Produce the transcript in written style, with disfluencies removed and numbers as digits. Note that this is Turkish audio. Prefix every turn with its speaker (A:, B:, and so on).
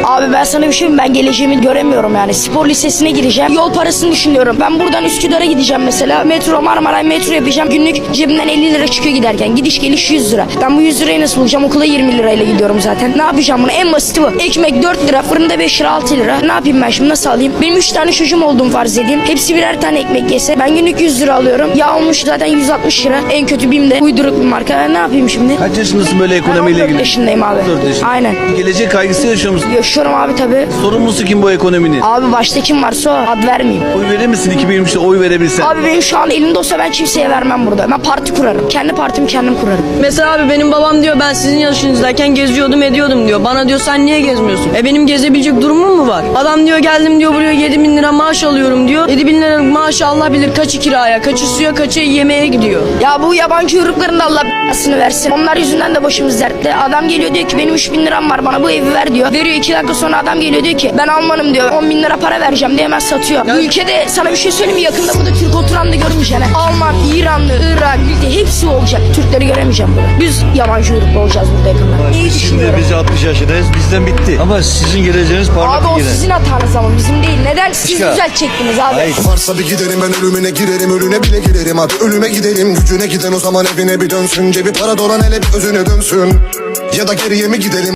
A: Abi ben sana bir şey mi? Ben geleceğimi göremiyorum yani. Spor lisesine gireceğim. Yol parasını düşünüyorum. Ben buradan Üsküdar'a gideceğim mesela. Metro, Marmaray metro yapacağım. Günlük cebimden 50 lira çıkıyor giderken. Gidiş geliş 100 lira. Ben bu 100 lirayı nasıl bulacağım? Okula 20 lirayla gidiyorum zaten. Ne yapacağım bunu? En basiti bu. Ekmek 4 lira, fırında 5 lira, 6 lira. Ne yapayım ben şimdi? Nasıl alayım? Benim 3 tane çocuğum olduğum farz edeyim. Hepsi birer tane ekmek yese. Ben günlük 100 lira alıyorum. Yağ olmuş zaten 160 lira. En kötü BİM'de. Uyduruk bir marka. Ben ne yapayım şimdi?
B: Kaç yaşındasın böyle ekonomiyle
A: 14
B: ilgili?
A: yaşındayım abi.
B: 14 yaşında.
A: Aynen.
B: Gelecek kaygısı yaşıyor musun?
A: Yaşıyorum abi tabii.
B: Sorumlusu kim bu ekonominin?
A: Abi başta kim varsa o. Ad vermeyeyim.
B: Oy verir misin 2023'te oy verebilsen?
A: Abi benim şu an elimde olsa ben kimseye vermem burada. Ben parti kurarım. Kendi partimi kendim kurarım.
C: Mesela abi benim babam diyor ben sizin yaşınızdayken geziyordum ediyordum diyor. Bana diyor sen niye gezmiyorsun? Benim gezebilecek durumum mu var? Adam diyor geldim diyor buraya 7.000 lira maaş alıyorum diyor. 7.000 lira maaşı Allah bilir kaçı kiraya, kaçı suya, kaçı yemeğe gidiyor.
A: Ya bu yabancı uyrukların da Allah b***sını versin. Onlar yüzünden de başımız dertte. Adam geliyor diyor ki benim 3.000 liram var bana bu evi ver diyor. Veriyor 2 dakika sonra adam geliyor diyor ki ben Almanım diyor. 10.000 lira para vereceğim diye hemen satıyor. Bu ülkede sana bir şey söyleyeyim mi? Yakında burada Türk oturan da görmeyeceksin. Alman, İranlı, Irak, Bildi hepsi olacak. Türkleri göremeyeceğim burada. Biz yabancı uyruklu olacağız burada yakında. İyi
D: Şimdi
A: düşünüyorum.
D: biz 60 yaşındayız. Bizden bitti. Ama sizin geleceğiniz parlak
A: Abi o
D: yine.
A: sizin hatanız ama bizim değil. Neden siz
D: Başka.
A: düzeltecektiniz abi?
D: Hayır.
E: Varsa bir giderim ben ölümüne girerim, ölüne bile girerim. Hadi ölüme gidelim, gücüne giden o zaman evine bir dönsün. Cebi para dolan hele bir özüne dönsün. Ya da geriye mi gidelim?